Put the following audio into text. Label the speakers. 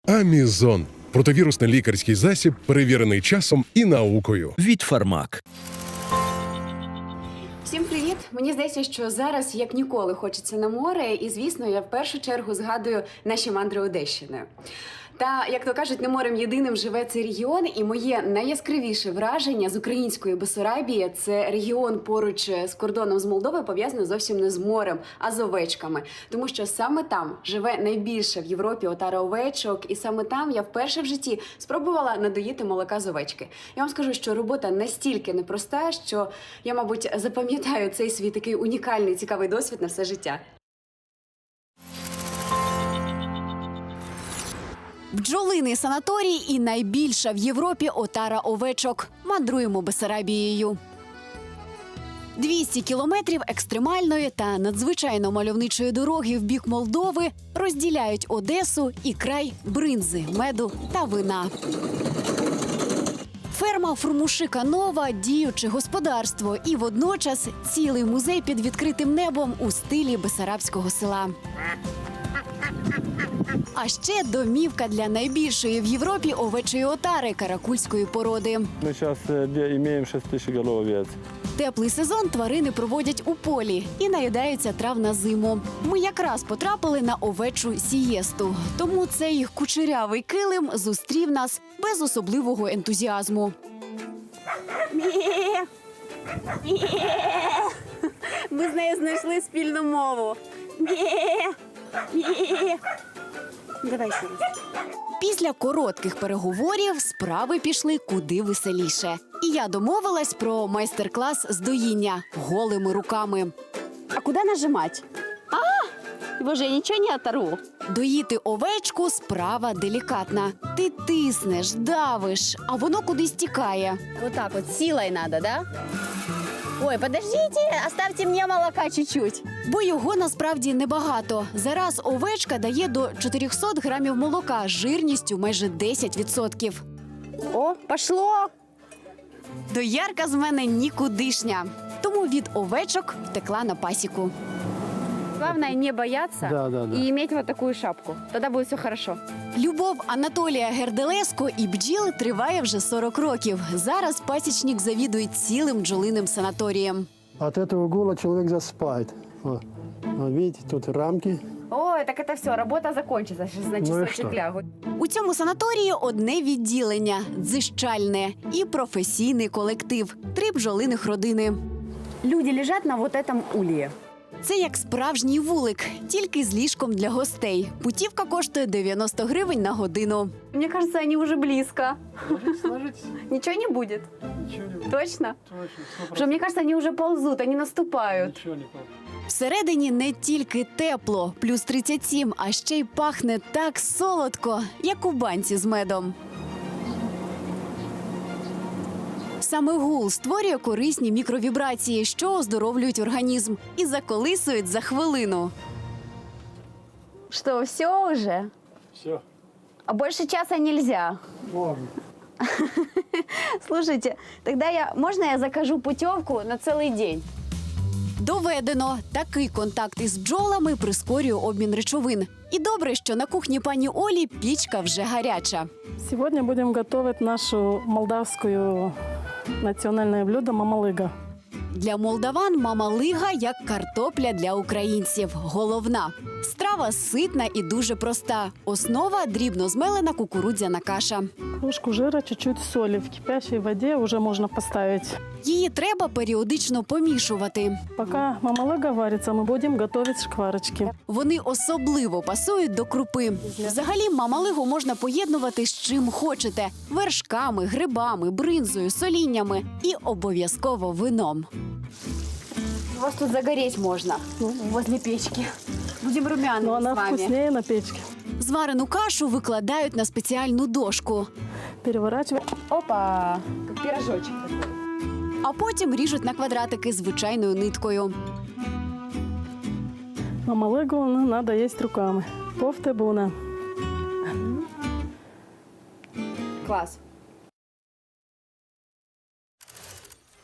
Speaker 1: Амізон. Противірусний лікарський засіб, перевірений часом і наукою.
Speaker 2: Від Фармак.
Speaker 3: Всім привіт! Мені здається, що зараз як ніколи хочеться на море, і, звісно, я в першу чергу згадую наші мандри Одещиною. Та, як то кажуть, не морем єдиним живе цей регіон, і моє найяскравіше враження з української Бессарабії – це регіон поруч з кордоном з Молдовою, пов'язаний зовсім не з морем, а з овечками. Тому що саме там живе найбільше в Європі отара овечок, і саме там я вперше в житті спробувала надоїти молока з овечки. Я вам скажу, що робота настільки непроста, що я, мабуть, запам'ятаю цей свій такий унікальний, цікавий досвід на все життя. Бджолиний санаторій і найбільша в Європі отара овечок. Мандруємо Бессарабією. 200 кілометрів екстремальної та надзвичайно мальовничої дороги в бік Молдови розділяють Одесу і край бринзи, меду та вина. Ферма Фурмушика Нова – діюче господарство і водночас цілий музей під відкритим небом у стилі бессарабського села. А ще домівка для найбільшої в Європі овечої отари каракульської породи.
Speaker 4: Мы сейчас имеем 6 тысяч голов овец.
Speaker 3: Теплий сезон тварини проводять у полі і наїдаються трав на зиму. Ми якраз потрапили на овечу сієсту, тому цей кучерявий килим зустрів нас без особливого ентузіазму. Ми з нею знайшли спільну мову. Давай ще раз. Після коротких переговорів справи пішли куди веселіше. І я домовилась про майстер-клас з доїння голими руками. А куди нажимати?
Speaker 5: Боже, я ничего не оторву.
Speaker 3: Доїти овечку – справа делікатна. Ти тиснеш, давиш, а воно кудись тікає.
Speaker 5: Вот так вот, силой надо, да? Ой, подождите, оставьте мне молока чуть-чуть.
Speaker 3: Бо його насправді небагато. Зараз овечка дає до 400 грамів молока з жирністю майже 10%.
Speaker 5: О, пошло.
Speaker 3: Доярка з мене нікудишня. Тому від овечок втекла на пасіку.
Speaker 5: Главное не бояться
Speaker 4: Да.
Speaker 5: и иметь вот такую шапку. Тогда будет все хорошо.
Speaker 3: Любов Анатолія Герделеско і бджіл триває вже 40 років. Зараз пасічник завідує цілим бджолиним санаторієм.
Speaker 6: От этого гула человек засыпает. Вот. Вот видите, тут рамки.
Speaker 5: Ой, так это все, работа закончится. Сейчас на
Speaker 6: Ну и
Speaker 5: часочек
Speaker 6: что?
Speaker 5: лягу.
Speaker 3: У цьому санаторії одне відділення – дзищальне і професійний колектив – 3 бджолиних родини.
Speaker 5: Люди лежат на вот этом улье.
Speaker 3: Це як справжній вулик, тільки з ліжком для гостей. Путівка коштує 90 гривень на годину.
Speaker 5: Мне кажется, они уже близко.
Speaker 6: Ложитесь.
Speaker 5: Ничего не будет?
Speaker 6: Ничего не будет.
Speaker 5: Точно?
Speaker 6: Точно,
Speaker 5: Потому что мне кажется, они уже ползут, они наступают.
Speaker 6: Ничего не будет.
Speaker 3: Всередині не тільки тепло, плюс 37, а ще й пахне так солодко, як у банці з медом. Саме гул створює корисні мікровібрації, що оздоровлюють організм і заколисують за хвилину.
Speaker 5: Что, все уже?
Speaker 6: Все.
Speaker 5: А больше часа нельзя.
Speaker 6: Можно.
Speaker 5: Слушайте, тогда можно я закажу путевку на целый день?
Speaker 3: Доведено, такий контакт із бджолами прискорює обмін речовин. І добре, що на кухні пані Олі пічка вже гаряча.
Speaker 7: Сегодня будем готовить нашу молдавскую национальное блюдо мамалыга.
Speaker 3: Для молдаван мамалига як картопля для українців. Головна. Страва ситна і дуже проста. Основа – дрібно змелена кукурудзяна каша.
Speaker 7: Ложку жира, чуть-чуть соли. В кипящей воде уже можно поставить.
Speaker 3: Її треба періодично помішувати.
Speaker 7: Пока мамалыга варится, мы будем готовить шкварочки.
Speaker 3: Вони особливо пасують до крупи. Взагалі мамалигу можна поєднувати з чим хочете – вершками, грибами, бринзою, соліннями і обов'язково вином.
Speaker 5: У вас тут загореть можно, возле печки. Будем
Speaker 7: Но
Speaker 5: румяными
Speaker 7: она
Speaker 5: с вами.
Speaker 7: вкуснее на печке.
Speaker 3: Зварену кашу викладають на спеціальну дошку,
Speaker 7: Переворачиваем.
Speaker 5: Опа, как пирожочек.
Speaker 3: а потім ріжуть на квадратики звичайною ниткою.
Speaker 7: Мамалыгу надо есть руками. Повтебуна.
Speaker 5: Класс.